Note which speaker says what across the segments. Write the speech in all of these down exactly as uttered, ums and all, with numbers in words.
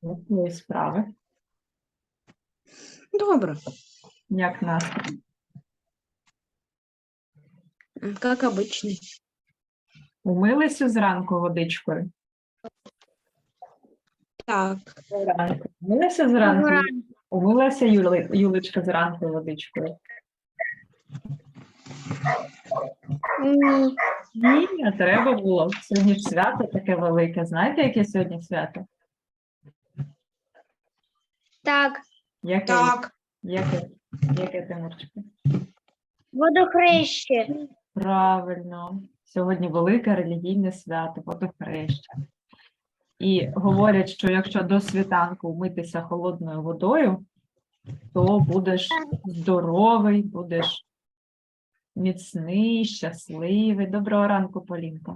Speaker 1: Як твої справи?
Speaker 2: Добре,
Speaker 1: Як настрій?
Speaker 2: как обычно.
Speaker 1: Умилися зранку водичкою?
Speaker 2: Так,
Speaker 1: Зранку. Умилася зранку? Умилася Юли... Юлечка зранку водичкою?
Speaker 3: Ні.
Speaker 1: Ні, а треба було. Сьогодні ж свято таке велике. Знаєте, яке сьогодні свято?
Speaker 3: Так,
Speaker 1: Яке?
Speaker 2: так,
Speaker 1: Яке? Яке, Тимурчику?
Speaker 3: водохреще.
Speaker 1: Правильно. Сьогодні велике релігійне свято, водохреща. І говорять, що якщо до світанку вмитися холодною водою, то будеш здоровий, будеш міцний, щасливий. Доброго ранку, Полінко.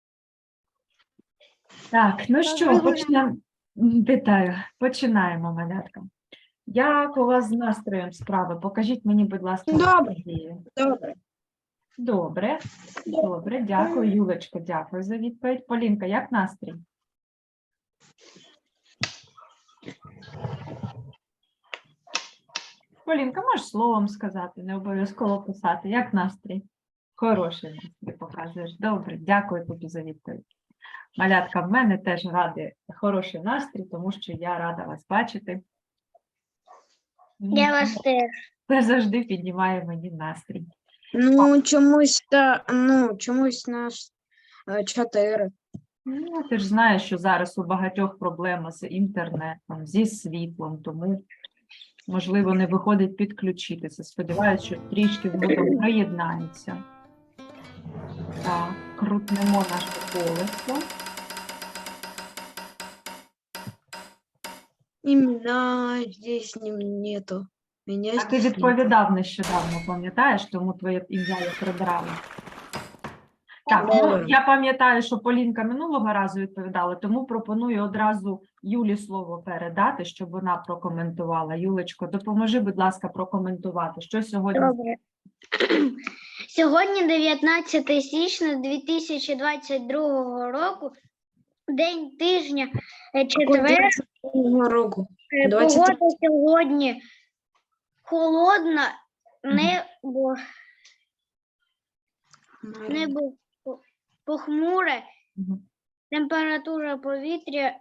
Speaker 1: Так, ну що,
Speaker 3: Доброго
Speaker 1: почнемо. Вітаю. Починаємо, малятка. Як у вас з настроєм справи? Покажіть мені, будь ласка,
Speaker 2: Добре.
Speaker 1: Надію.
Speaker 2: добре.
Speaker 1: Добре, добре, дякую. Юлечко, дякую за відповідь. Полінка, як настрій? Полінка, можеш словом сказати, не обов'язково писати. Як настрій? Хороший настрій показуєш. Добре, дякую тобі за відповідь. Малятка, в мене теж радий хороший настрій, тому що я рада вас бачити.
Speaker 3: Я вас теж.
Speaker 1: Це завжди піднімає мені настрій.
Speaker 2: Ну, чомусь та, ну, чомусь наш е, чотири.
Speaker 1: Ну, ти ж знаєш, що зараз у багатьох проблема з інтернетом, зі світлом, тому, можливо, не виходить підключитися. Сподіваюся, що трішки згодом приєднається. Так, крутнемо наше колесо.
Speaker 2: Імена здесь не- нету. Меня
Speaker 1: А ти
Speaker 2: здесь нету.
Speaker 1: відповідав нещодавно, пам'ятаєш, тому твоє ім'я я прибрала. Так, ну,
Speaker 2: Добре.
Speaker 1: я пам'ятаю, що Полінка минулого разу відповідала, тому пропоную одразу Юлі слово передати, щоб вона прокоментувала. Юлечко, допоможи, будь ласка, прокоментувати, що сьогодні.
Speaker 3: Добре. Сьогодні дев'ятнадцяте січня дві тисячі двадцять другого року, день тижня, е, четвер.
Speaker 2: Цього року.
Speaker 3: Е,
Speaker 2: двадцять
Speaker 3: Погода сьогодні холодна, небо, небо по- похмуре,
Speaker 1: Мгм.
Speaker 3: температура повітря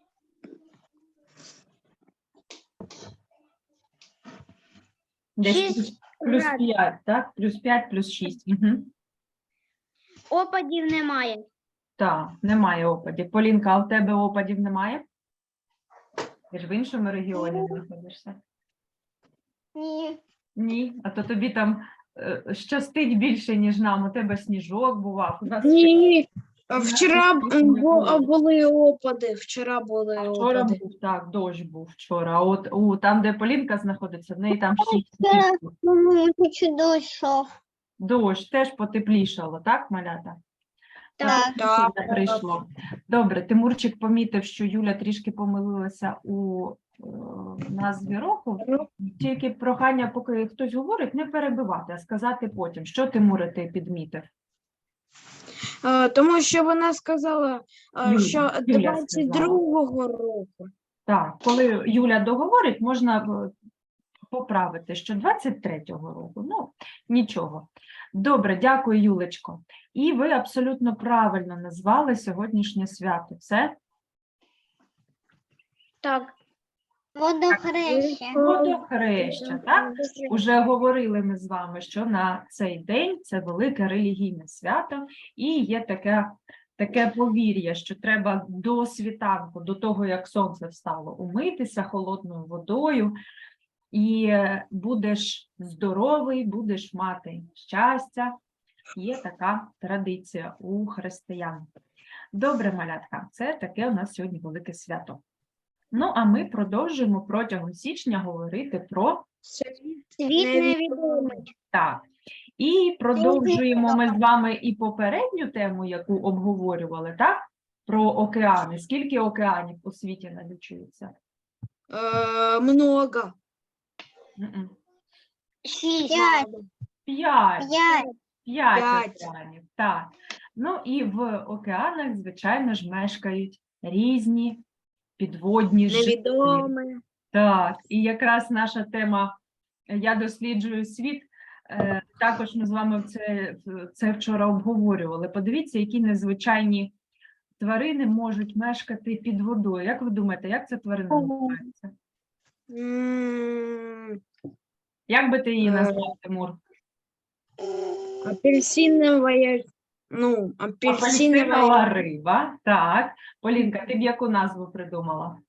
Speaker 1: Десь
Speaker 3: шість
Speaker 1: плюс, плюс
Speaker 3: градусів.
Speaker 1: п'ять, так? Плюс п'ять, плюс шість. Угу.
Speaker 3: Опадів немає.
Speaker 1: Так, немає опадів. Полінка, а у тебе опадів немає? Ти ж в іншому регіоні знаходишся?
Speaker 3: Ні.
Speaker 1: Ні, а то тобі там е, щастить більше, ніж нам. У тебе сніжок бував. У нас ще
Speaker 2: Ні, вчора б-
Speaker 1: Вчора не
Speaker 2: бу-
Speaker 1: було.
Speaker 2: були опади, вчора були
Speaker 1: А вчора
Speaker 2: опади.
Speaker 1: був, так, дощ був вчора. А от у, там, де Полінка знаходиться, в неї там шість
Speaker 3: Це-
Speaker 1: днів.
Speaker 3: Ну, чи дійшов.
Speaker 1: Дощ теж потеплішало, так, малята?
Speaker 3: Так.
Speaker 2: Так.
Speaker 1: Потепління прийшло. Добре, Тимурчик помітив, що Юля трішки помилилася у е, назві року. Тільки прохання, поки хтось говорить, не перебивати, а сказати потім. Що, Тимуре, ти підмітив?
Speaker 2: Е, Тому що вона сказала, е,
Speaker 1: Юля,
Speaker 2: що
Speaker 1: Юля
Speaker 2: двадцять другого року.
Speaker 1: Так, коли Юля договорить, можна е, поправити, що двадцять третього року. Ну, нічого. Добре, дякую, Юлечко. І ви абсолютно правильно назвали сьогоднішнє свято. Це
Speaker 3: Так. Водохреща.
Speaker 1: водохреща, так? Уже говорили ми з вами, що на цей день це велике релігійне свято, і є таке, таке повір'я, що треба до світанку, до того, як сонце встало, умитися холодною водою, і е, будеш здоровий, будеш мати щастя. Є така традиція у християн. Добре, малятка, це таке у нас сьогодні велике свято. Ну, а ми продовжуємо протягом січня говорити про
Speaker 3: Світ невідомий.
Speaker 1: так. І продовжуємо ми з вами і попередню тему, яку обговорювали, так? Про океани. Скільки океанів у світі налічується?
Speaker 2: Е, Много.
Speaker 1: М-м.
Speaker 3: Шість.
Speaker 1: П'ять.
Speaker 3: П'ять.
Speaker 1: П'ять
Speaker 2: П'ять.
Speaker 1: океанів, так. Ну і в океанах, звичайно ж, мешкають різні підводні жителі.
Speaker 2: Невідоме.
Speaker 1: Так, і якраз наша тема «Я досліджую світ», е, також ми з вами це, це вчора обговорювали. Подивіться, які незвичайні тварини можуть мешкати під водою. Як ви думаєте, як ця тварина називається?
Speaker 2: М,
Speaker 1: Як би ти її
Speaker 2: Е,
Speaker 1: назвав, Тимур?
Speaker 2: Апельсиновая, ну, апельсиновая.
Speaker 1: Апельсинова риба. Так. Полінка, ти б яку назву придумала?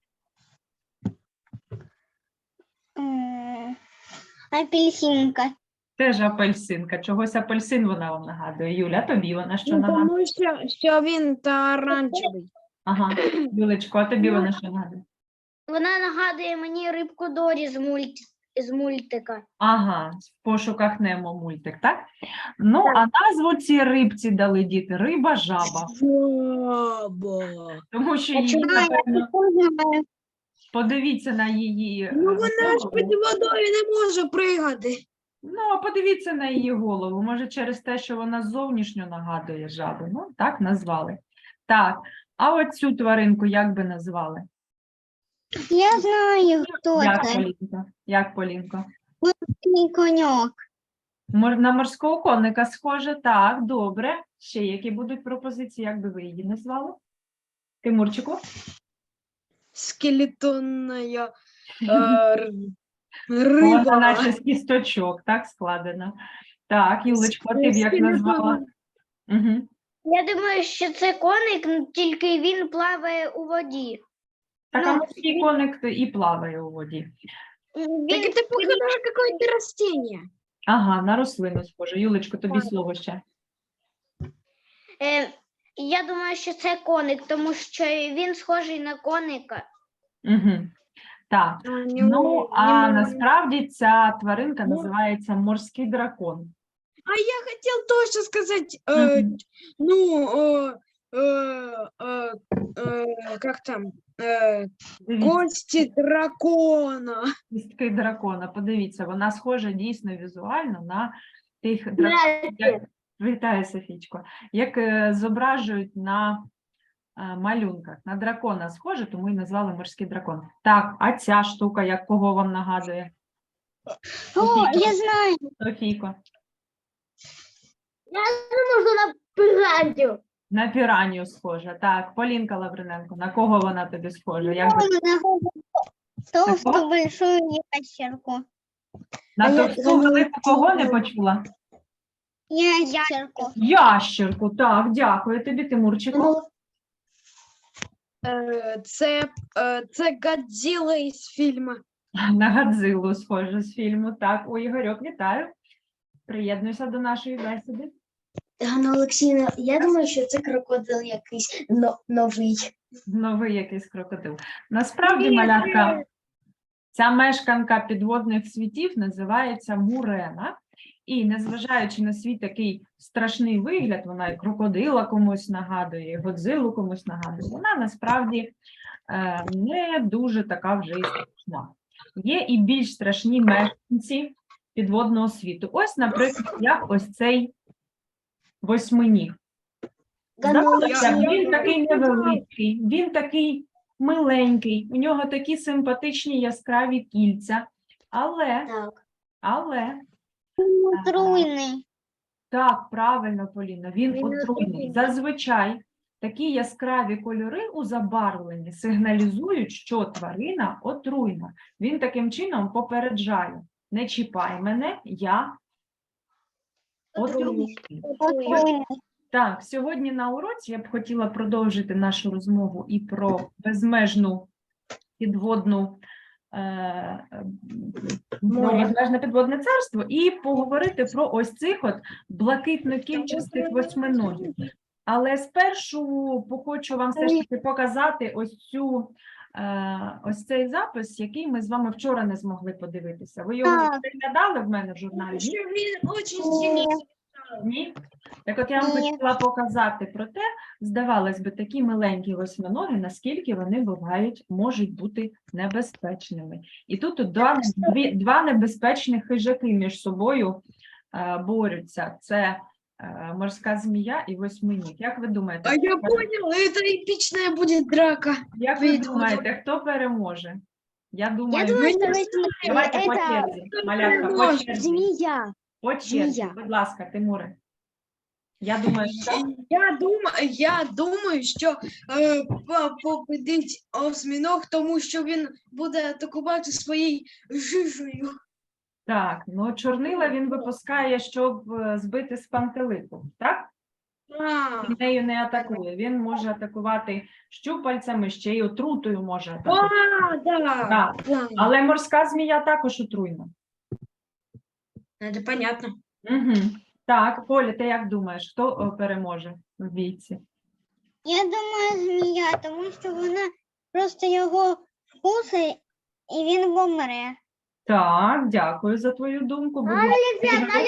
Speaker 3: М, Апельсинка.
Speaker 1: Теж апельсинка. Чогось апельсин вона вам нагадує. Юля, тобі вона що
Speaker 2: Ну,
Speaker 1: нагадує?
Speaker 2: тому що, що він та оранжевий.
Speaker 1: Ага. Юлечко, а тобі вона що нагадує?
Speaker 3: Вона нагадує мені рибку Дорі з, мульт... з мультика.
Speaker 1: Ага, в пошуках Немо мультик, так? Ну, а назву цій рибці дали діти риба жаба.
Speaker 2: Жаба.
Speaker 1: Тому що
Speaker 3: А
Speaker 1: її,
Speaker 3: чому я
Speaker 1: напевно,
Speaker 3: не знаю?
Speaker 1: подивіться на її.
Speaker 2: Ну
Speaker 1: е,
Speaker 2: вона ж під
Speaker 1: голову.
Speaker 2: водою не може пригати.
Speaker 1: Ну, а подивіться на її голову. Може, через те, що вона зовнішньо нагадує жабу. Ну, так назвали. Так, а от цю тваринку як би назвали?
Speaker 3: Я знаю, хто
Speaker 1: Як,
Speaker 3: це.
Speaker 1: Полінка? Як, Полінко?
Speaker 3: Мій коньок.
Speaker 1: Мор- На морського коника схоже. Так, добре. Ще які будуть пропозиції, як би ви її назвали? Тимурчику?
Speaker 2: Скелетонная е, р-
Speaker 1: Вона
Speaker 2: риба.
Speaker 1: наче з кісточок, так, складена. Так, Юлечко, ти б як назвала? Угу.
Speaker 3: Я думаю, що це коник, ну, тільки він плаває у воді.
Speaker 1: Так, а
Speaker 3: Ну,
Speaker 1: морський коник і плаває у воді.
Speaker 3: Він,
Speaker 2: Так это похоже на какое-то растение.
Speaker 1: Ага, на рослину схоже. Юлечко, тобі слово ще.
Speaker 3: е, я думаю, що це коник, тому що він схожий на коника.
Speaker 1: Угу. Так,
Speaker 2: А, не
Speaker 1: ну,
Speaker 2: мо-
Speaker 1: а
Speaker 2: не мо-
Speaker 1: насправді ця тваринка
Speaker 2: Ну.
Speaker 1: називається морський дракон.
Speaker 2: А я хотел тоже сказать, э,
Speaker 1: Мгм.
Speaker 2: ну, э, э, э, э, как там, э,
Speaker 1: Дивіться,
Speaker 2: кости дракона.
Speaker 1: кістки дракона. Подивіться, вона схожа дійсно візуально на тих драконів. Як... Вітаю, Софічко. Як е, зображують на е, малюнках. На дракона схоже, тому і назвали морський дракон. Так, а ця штука, як кого вам нагадує?
Speaker 3: О, я знаю.
Speaker 1: Софійко.
Speaker 3: Можу на пираню.
Speaker 1: На піранію схожа. Так, Полінка Лавриненко, на кого вона тобі схожа? Як би...
Speaker 3: Толстую большую ящерку.
Speaker 1: На
Speaker 2: А я-
Speaker 1: товсту велику кого не почула?
Speaker 3: Ящерку.
Speaker 1: Ящерку, так, дякую тобі, Тимурчику.
Speaker 2: Э, Це, э, це Годзилла із фільму.
Speaker 1: На Гадзилу схоже з фільму. Так, о, Ігорьок, вітаю. Приєднуйся до нашої бесіди.
Speaker 4: Ганна Олексійовна, я думаю, що це крокодил якийсь но- новий.
Speaker 1: Новий якийсь крокодил. Насправді, малятка, ця мешканка підводних світів називається Мурена. І незважаючи на свій такий страшний вигляд, вона і крокодила комусь нагадує, і Годзилу комусь нагадує, вона насправді е, не дуже така вже і страшна. Є і більш страшні мешканці підводного світу. Ось, наприклад, як ось цей восьминіг. Здавалося б, він такий невеликий, він такий миленький, у нього такі симпатичні яскраві кільця, але,
Speaker 4: Так.
Speaker 1: але,
Speaker 3: Отруйний.
Speaker 1: так, правильно, Поліна, він
Speaker 3: Він
Speaker 1: отруйний.
Speaker 3: отруйний.
Speaker 1: Зазвичай такі яскраві кольори у забарвленні сигналізують, що тварина отруйна. Він таким чином попереджає: не чіпай мене, я отруйний.
Speaker 3: Отруйний.
Speaker 1: Так, сьогодні на уроці я б хотіла продовжити нашу розмову і про безмежну підводну е, е, про безмежне підводне царство, і поговорити про ось цих от блакитно-кільчастих восьминогів. Але спершу хочу вам все ж таки показати ось цю е, ось цей запис, який ми з вами вчора не змогли подивитися. Ви його
Speaker 3: Так.
Speaker 1: переглядали в мене в журналі?
Speaker 2: Що він очень
Speaker 3: Ні.
Speaker 2: сильний.
Speaker 1: Ні? Так от я вам
Speaker 3: Ні.
Speaker 1: хотіла показати про те, здавалось би, такі миленькі восьминоги, наскільки вони бувають, можуть бути небезпечними. І тут от два, дві, два небезпечних хижаки між собою е, борються. Це е, морська змія і восьминіг. Як ви думаєте,
Speaker 2: А я
Speaker 1: хто-
Speaker 2: понял, это эпичная будет драка.
Speaker 1: як ви
Speaker 2: Відповідь.
Speaker 1: думаєте, хто переможе? Я думаю,
Speaker 3: думаю,
Speaker 2: що
Speaker 1: давайте по
Speaker 3: это
Speaker 1: черзі. Малятка, по
Speaker 2: переможе?
Speaker 1: черзі.
Speaker 3: змія.
Speaker 1: По черзі,
Speaker 3: Змія.
Speaker 1: будь ласка, Тимуре. Я думаю, що
Speaker 2: Я думаю, я думаю, що е, по- победить осьминог, тому що він буде атакувати своєю жижею.
Speaker 1: так, ну чорнила він випускає, щоб е, збити з пантелику, так?
Speaker 2: А,
Speaker 1: Він нею не атакує. Він може атакувати щупальцями, ще й отрутою може атакувати.
Speaker 2: а, да.
Speaker 1: Так.
Speaker 2: Да.
Speaker 1: Але морська змія також отруйна.
Speaker 2: Это понятно.
Speaker 1: Угу. Так, Поля, ти як думаєш, хто о, переможе в бійці?
Speaker 3: Я думаю, змія, тому що вона просто його вкусить і він помре.
Speaker 1: Так, дякую за твою думку. Будь ласка, Ігор.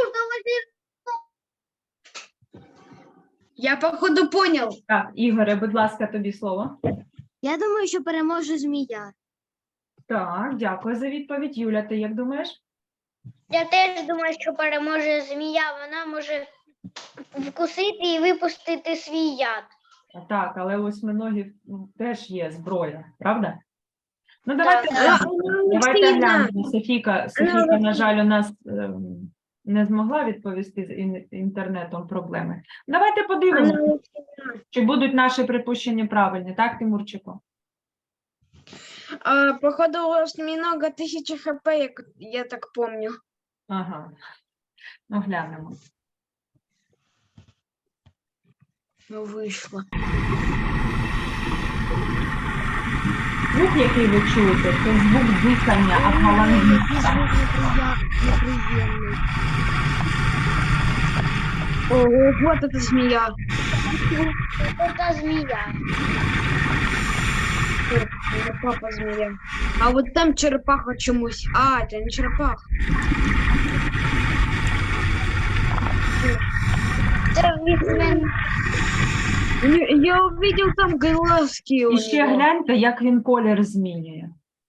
Speaker 2: Я походу понял.
Speaker 1: Так, Ігоре, будь ласка, тобі слово.
Speaker 3: Я думаю, що переможе змія.
Speaker 1: Так, дякую за відповідь. Юля, ти як думаєш?
Speaker 3: Я теж думаю, що переможе змія. Вона може вкусити і випустити свій яд.
Speaker 1: Так, але у восьминогів ну, теж є зброя, правда? Ну, давайте
Speaker 3: Так.
Speaker 1: глянемо. Давайте
Speaker 2: сильна.
Speaker 1: глянемо. Софійка, Софійка, на жаль, у нас ем, не змогла відповісти з ін- інтернетом проблеми. Давайте подивимося, чи будуть наші припущення правильні, так, Тимурчику?
Speaker 2: А, походу у осьминога тысяча хп, як я так помню.
Speaker 1: Ага. Ну, глянемо.
Speaker 2: Ну, вийшло.
Speaker 1: Звук, який ви чуєте, це звук дихання аквалангіста.
Speaker 2: Ого, вот эта змея.
Speaker 3: Це змія.
Speaker 2: Это папа змея. А вот там черепаха чомусь. А, это не черепаха.
Speaker 3: Це візьме.
Speaker 2: Не- Я увидел там глазки у
Speaker 1: І ще
Speaker 2: него.
Speaker 1: гляньте, як він колір змінює.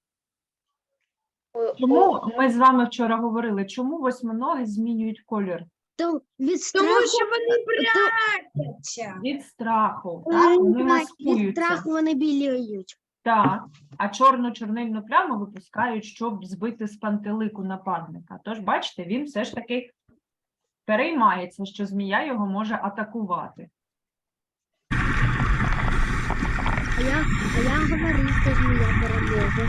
Speaker 1: Чому ми з вами вчора говорили, чому восьминоги змінюють колір?
Speaker 3: То від
Speaker 2: Тому
Speaker 3: страху,
Speaker 2: що вони прячаться.
Speaker 1: Від страху, так? Вони
Speaker 3: від
Speaker 1: маскуються.
Speaker 3: страху вони біліють.
Speaker 1: Так, а чорну чорнильну пляму випускають, щоб збити з пантелику нападника. Тож, бачите, він все ж таки переймається, що змія його може атакувати.
Speaker 3: А я, а я говорив, що змія переможе.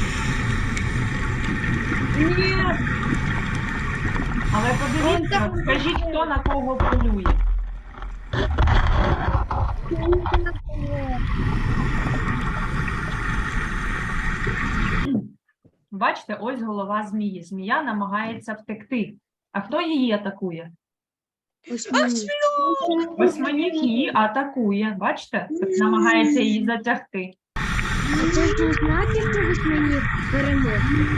Speaker 2: Нет,
Speaker 1: Але подивіться, от скажіть, хто на кого полює. Бачите, ось голова змії. Змія намагається втекти. А хто її атакує? Восьминіг її атакує. Бачите? Намагається її затягти.
Speaker 3: А це ж не значить, що восьминіг переможе.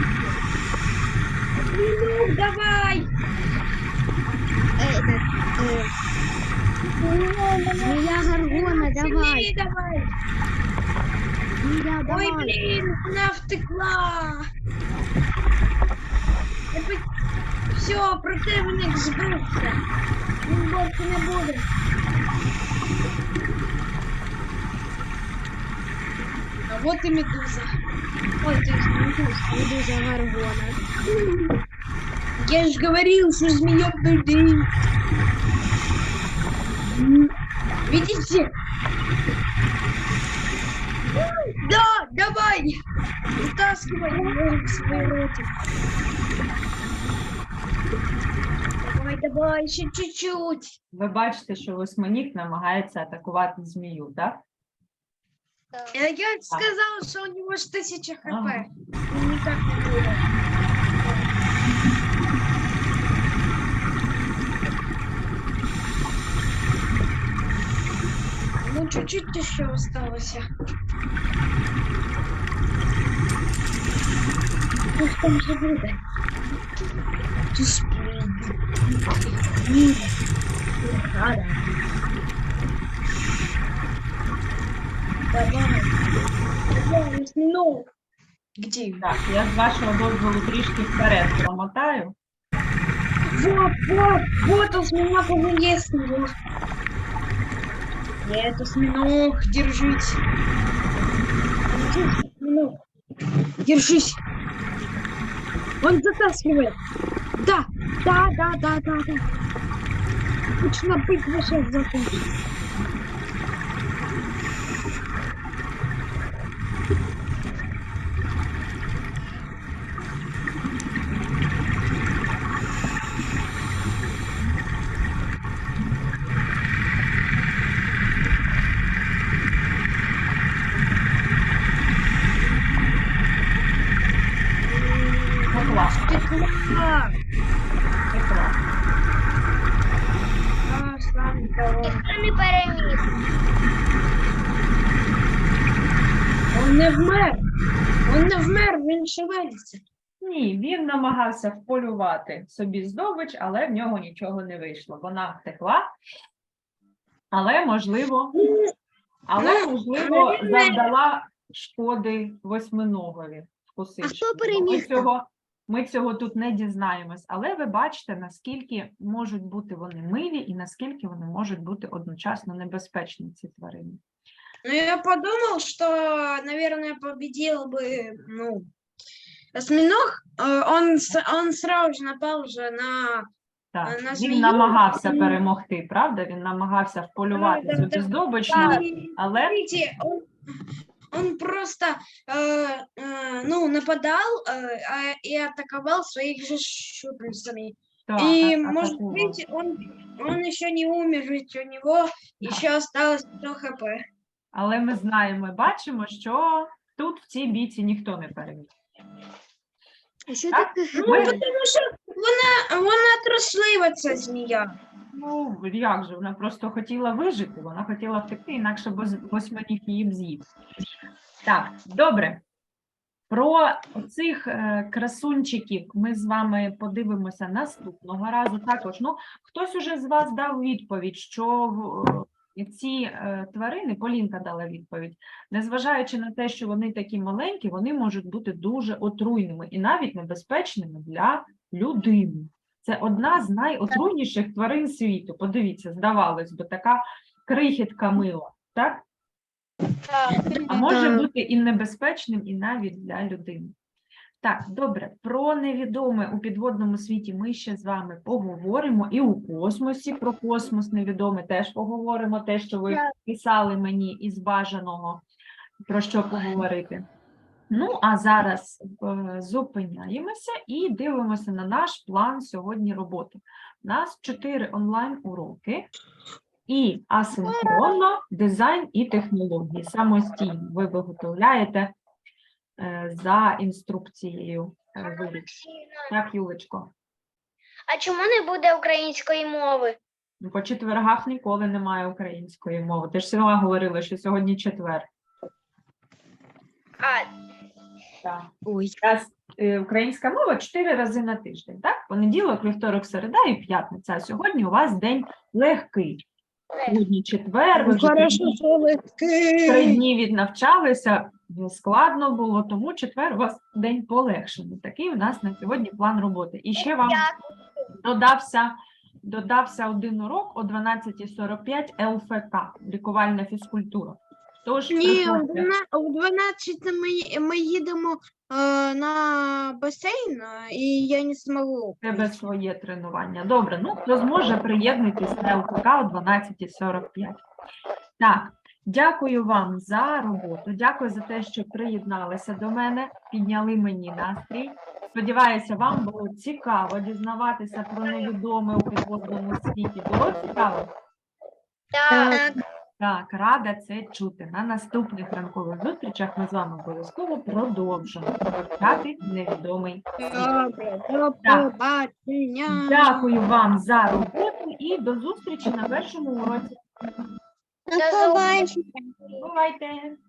Speaker 2: ну, давай.
Speaker 3: Е, так, е. Змія Гаргона, давай.
Speaker 2: Змей, давай.
Speaker 3: Змія,
Speaker 2: Ой,
Speaker 3: давай.
Speaker 2: блин, она втекла. Все, противник збився. Він більше не буде. А вот и медуза. Ой, то есть медуза.
Speaker 3: Медуза Гаргона.
Speaker 2: Я же говорил, что змея людей. Видите? Да, давай! Вытаскивай его в свой ротик. Давай, давай, еще чуть-чуть.
Speaker 1: Ви бачите, що восьминіг намагається атакувати змію, так?
Speaker 2: Я, я сказал, что у него ж тысяча хп.
Speaker 1: Ага.
Speaker 2: Он никак не будет. Ну, чуть-чуть еще осталось. Ну, что же будет? Давай. Давай, осьминог. Где?
Speaker 1: Так, я з вашого дозволу трішки вперед промотаю.
Speaker 2: Вот, вот, вот осьминог уже есть его. Нет, осьминог, держись. Держись, осьминог. Держись. Он затаскивает. Да, да, да, да, да, да. Точно быть сейчас закончится.
Speaker 1: Ну, клас,
Speaker 2: Стекла.
Speaker 1: це клас.
Speaker 2: А, славненько.
Speaker 3: Ніхто не переміг.
Speaker 2: Он не вмер. Он не вмер, він шевелиться.
Speaker 1: Ні, він намагався вполювати собі здобич, але в нього нічого не вийшло. Вона втекла, але, можливо, але, можливо, завдала шкоди восьминогові, вкусивши.
Speaker 4: хто
Speaker 1: його. Ми
Speaker 4: переміг там?
Speaker 1: цього, ми цього тут не дізнаємось, але ви бачите, наскільки можуть бути вони милі і наскільки вони можуть бути одночасно небезпечні, ці тварини.
Speaker 2: Ну, я подумал, что, наверное, победил бы, ну, осьминог. Э, Он, с- он сразу же напал уже на...
Speaker 1: Так,
Speaker 2: на
Speaker 1: він
Speaker 2: змію.
Speaker 1: намагався
Speaker 2: М.
Speaker 1: перемогти, правда? Він намагався вполювати
Speaker 2: Да,
Speaker 1: цю
Speaker 2: да,
Speaker 1: здобич,
Speaker 2: Да,
Speaker 1: але
Speaker 2: смотрите, он, он просто, э, э, ну, нападал э, а- и атаковал своих же щупальцами.
Speaker 1: так,
Speaker 2: И,
Speaker 1: так,
Speaker 2: может
Speaker 1: атакував.
Speaker 2: быть, он, он еще не умер, ведь у него еще осталось сто хп.
Speaker 1: Але ми знаємо і бачимо, що тут в цій бійці ніхто не переміг.
Speaker 4: А що
Speaker 1: Так?
Speaker 4: таке?
Speaker 2: Ну,
Speaker 1: Ми-
Speaker 2: потому что вона, вона трослива, ця змія.
Speaker 1: Ну, як же, вона просто хотіла вижити, вона хотіла втекти, інакше б восьминіг її б з'їв. Так, добре. Про цих е, красунчиків ми з вами подивимося наступного разу. Також, ну, хтось уже з вас дав відповідь, що е, ці е, тварини, Полінка дала відповідь, незважаючи на те, що вони такі маленькі, вони можуть бути дуже отруйними і навіть небезпечними для людини. Це одна з найотруйніших тварин світу. Подивіться, здавалось би, така крихітка мила, так? А може бути і небезпечним, і навіть для людини. Так, добре, про невідоме у підводному світі ми ще з вами поговоримо, і у космосі про космос невідоме теж поговоримо, те, що ви писали мені із бажаного, про що поговорити. Ну, а зараз е, зупиняємося і дивимося на наш план сьогодні роботи. У нас чотири онлайн-уроки і асинхронно дизайн і технології. Самостійно ви виготовляєте е, за інструкцією. е, виріб. Так, Юлечко?
Speaker 3: А чому не буде української мови?
Speaker 1: Ну, по четвергах ніколи немає української мови. Ти ж сама говорила, що сьогодні четвер.
Speaker 3: А,
Speaker 1: Так.
Speaker 4: Ой.
Speaker 1: Раз, е, українська мова чотири рази на тиждень, так? Понеділок, вівторок, середа і п'ятниця. А сьогодні у вас день легкий. Сьогодні четвер, ви вже
Speaker 2: Хорошо,
Speaker 1: три-
Speaker 2: що ви
Speaker 1: три дні віднавчалися, складно було, тому четвер у вас день полегшений. Такий у нас на сьогодні план роботи. І ще вам додався, додався один урок о дванадцятій сорок п'ять ел еф ка, лікувальна фізкультура. Тож,
Speaker 2: Ні,
Speaker 1: приходьте.
Speaker 2: о дванадцятій ми, ми їдемо е, на басейн, е, і я не зможу.
Speaker 1: У тебе своє тренування. Добре, ну хто зможе, приєднуйтесь на ел еф ка о дванадцятій сорок п'ять. Так, дякую вам за роботу, дякую за те, що приєдналися до мене, підняли мені настрій. Сподіваюся, вам було цікаво дізнаватися про невідоме у підводному світі. Було цікаво?
Speaker 3: так.
Speaker 1: Так, рада це чути. На наступних ранкових зустрічах ми з вами обов'язково продовжимо вивчати невідомий світ.
Speaker 2: Добре, до
Speaker 1: Так.
Speaker 2: побачення.
Speaker 1: Дякую вам за роботу і до зустрічі на першому уроці.
Speaker 3: До зустрічі.
Speaker 1: Бувайте!